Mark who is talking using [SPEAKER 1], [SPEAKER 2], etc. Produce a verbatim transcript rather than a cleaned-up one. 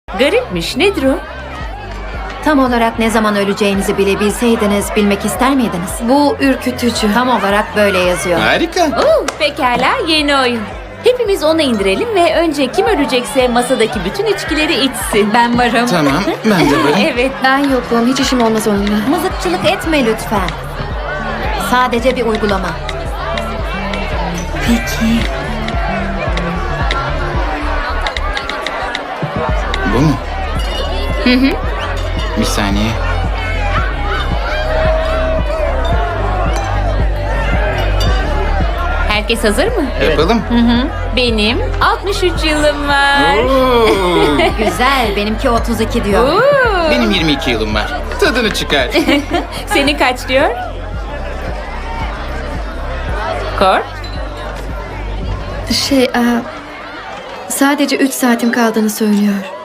[SPEAKER 1] Garipmiş. Nedir o?
[SPEAKER 2] Tam olarak ne zaman öleceğinizi bile bilseydiniz bilmek ister miydiniz?
[SPEAKER 3] Bu ürkütücü.
[SPEAKER 2] Tam olarak böyle yazıyor.
[SPEAKER 4] Harika.
[SPEAKER 1] Oo, pekala, yeni oyun. Hepimiz onu indirelim ve önce kim ölecekse masadaki bütün içkileri içsin.
[SPEAKER 3] Ben varım.
[SPEAKER 4] Tamam, ben de varım.
[SPEAKER 1] Evet.
[SPEAKER 3] Ben yokum. Hiç işim olmaz onunla.
[SPEAKER 2] Mızıkçılık etme lütfen. Sadece bir uygulama.
[SPEAKER 3] Peki.
[SPEAKER 4] Bu mu? Hı hı. Bir saniye.
[SPEAKER 1] Herkes hazır mı?
[SPEAKER 4] Yapalım.
[SPEAKER 1] Benim altmış üç yılım var.
[SPEAKER 4] Oo,
[SPEAKER 2] Güzel, benimki otuz iki diyor.
[SPEAKER 1] Oo,
[SPEAKER 4] benim yirmi iki yılım var. Tadını çıkar.
[SPEAKER 1] Senin kaç diyor? Kor?
[SPEAKER 3] Şey, aa, sadece üç saatim kaldığını söylüyor.